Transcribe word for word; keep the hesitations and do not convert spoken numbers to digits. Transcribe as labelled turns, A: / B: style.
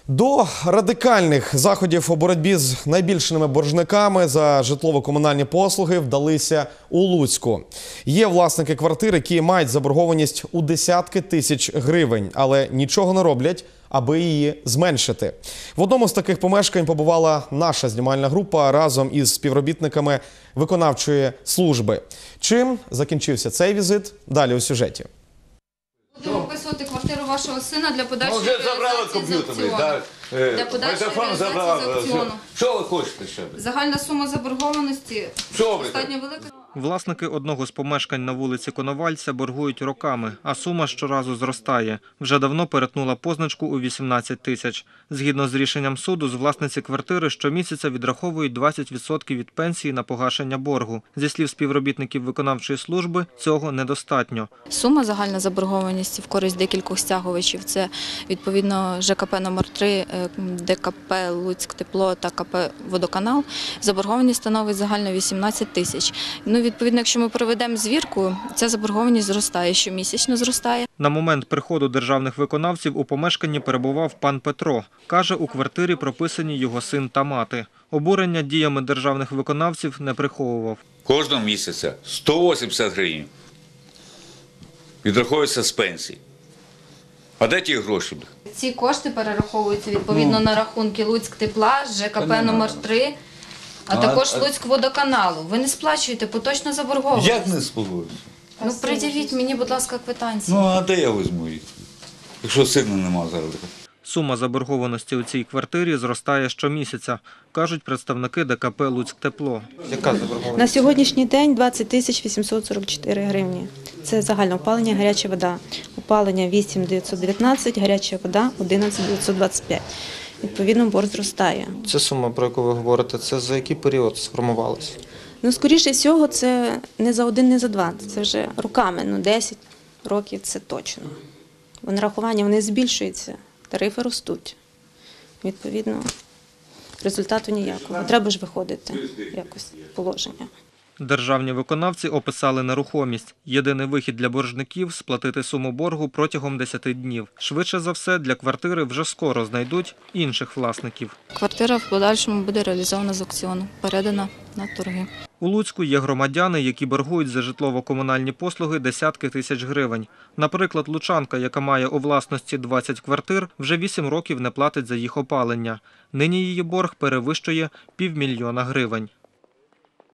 A: До радикальних заходів у боротьбі з найбільшими боржниками за житлово-комунальні послуги вдалися у Луцьку. Є власники квартир, які мають заборгованість у десятки тисяч гривень, але нічого не роблять, аби її зменшити. В одному з таких помешкань побувала наша знімальна група разом із співробітниками виконавчої служби. Чим закінчився цей візит? Далі у сюжеті.
B: Будемо описувати квартиру вашого сина для подальшої
C: Ну, вже забрали комп'ютер, так.
B: Для подальшої реалізації з аукціону.
C: Що ви хочете ще?
B: Загальна сума заборгованості
C: Що ви?
B: достатньо велика.
D: Власники одного з помешкань на вулиці Коновальця боргують роками, а сума щоразу зростає. Вже давно перетнула позначку у вісімнадцять тисяч. Згідно з рішенням суду, з власниці квартири щомісяця відраховують двадцять відсотків від пенсії на погашення боргу. Зі слів співробітників виконавчої служби, цього недостатньо.
E: Сума загальна заборгованості в користь декількох стягувачів – це відповідно ЖКП номер три, ДКП «Луцьктепло» та КП «Водоканал». Заборгованість становить загально вісімнадцять тисяч. Ну, відповідно, якщо ми проведемо звірку, ця заборгованість зростає, щомісячно зростає.
D: На момент приходу державних виконавців у помешканні перебував пан Петро. Каже, у квартирі прописані його син та мати. Обурення діями державних виконавців не приховував.
C: Кожного місяця сто вісімдесят гривень відраховується з пенсії. А де ті гроші?
B: Ці кошти перераховуються відповідно на рахунки «Луцьктепла», ЖКП номер три, а також «Луцькводоканалу». Ви не сплачуєте поточну заборгованість.
C: Як не спогоджуся?
B: Ну, придивіть мені, будь ласка, квитанції.
C: Ну, а де я візьму їх? Якщо сина нема зараз.
D: Сума заборгованості у цій квартирі зростає щомісяця, кажуть представники ДКП «Луцьктепло».
A: Яка заборгованість?
F: На сьогоднішній день двадцять тисяч вісімсот сорок чотири гривні. Це загальне опалення, гаряча вода. Опалення вісім тисяч дев'ятсот дев'ятнадцять, гаряча вода одинадцять тисяч дев'ятсот двадцять п'ять. Відповідно, борг зростає.
G: Ця сума, про яку ви говорите, це за який період сформувалася?
F: Ну, скоріше всього, це не за один, не за два. Це вже роками, ну десять років це точно. Бо нарахування вони збільшуються, тарифи ростуть. Відповідно, результату ніякого. Треба ж виходити якось з положення.
D: Державні виконавці описали нерухомість. Єдиний вихід для боржників – сплатити суму боргу протягом десяти днів. Швидше за все, для квартири вже скоро знайдуть інших власників.
E: Квартира в подальшому буде реалізована з аукціону, передана на торги.
D: У Луцьку є громадяни, які боргують за житлово-комунальні послуги десятки тисяч гривень. Наприклад, лучанка, яка має у власності двадцять квартир, вже вісім років не платить за їх опалення. Нині її борг перевищує півмільйона гривень.